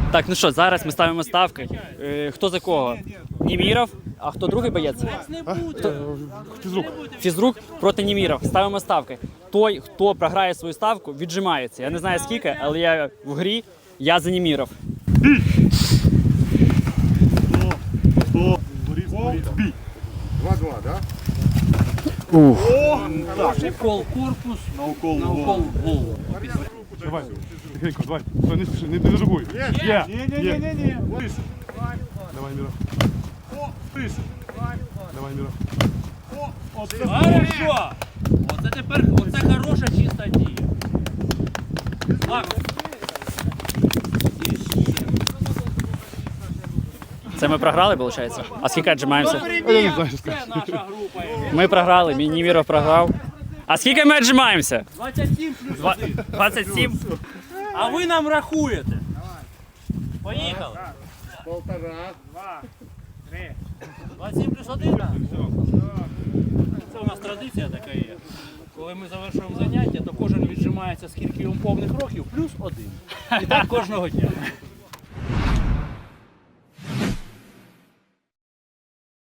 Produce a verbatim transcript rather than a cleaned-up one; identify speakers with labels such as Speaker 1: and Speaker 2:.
Speaker 1: Так, ну що, зараз ми ставимо ставки. Е, Хто за кого? Німіров, а хто другий боєць? Хто?
Speaker 2: Фізрук.
Speaker 1: Фізрук проти Німіров. Ставимо ставки. Той, хто програє свою ставку, віджимається. Я не знаю скільки, але я в грі, я за Німіров.
Speaker 2: Бій!
Speaker 3: два-два, да?
Speaker 1: Ух.
Speaker 4: Укол корпус,
Speaker 2: На укол.
Speaker 4: на укол в голову.
Speaker 2: Давай. Тихенько, давай. Стой, не спіши, не дежугуй. Є!
Speaker 3: Не-не-не-не.
Speaker 2: Давай, Міра. Давай, Міра.
Speaker 4: Хорошо! Оце тепер, оце хороша чиста дія. Так.
Speaker 1: Це ми програли, виходить? А скільки віджимаємося?
Speaker 2: Я не знаю, що
Speaker 4: Це
Speaker 2: сказати.
Speaker 4: наша група.
Speaker 1: Ми програли, мій Німіров програв. А скільки ми віджимаємося?
Speaker 4: двадцять сім плюс один.
Speaker 1: двадцять сім.
Speaker 4: А ви нам рахуєте. Поїхали.
Speaker 3: Полтора.
Speaker 4: двадцять сім плюс один. Це у нас традиція така є. Коли ми завершуємо заняття, то кожен віджимається скільки йому повних років, плюс один. І так кожного дня.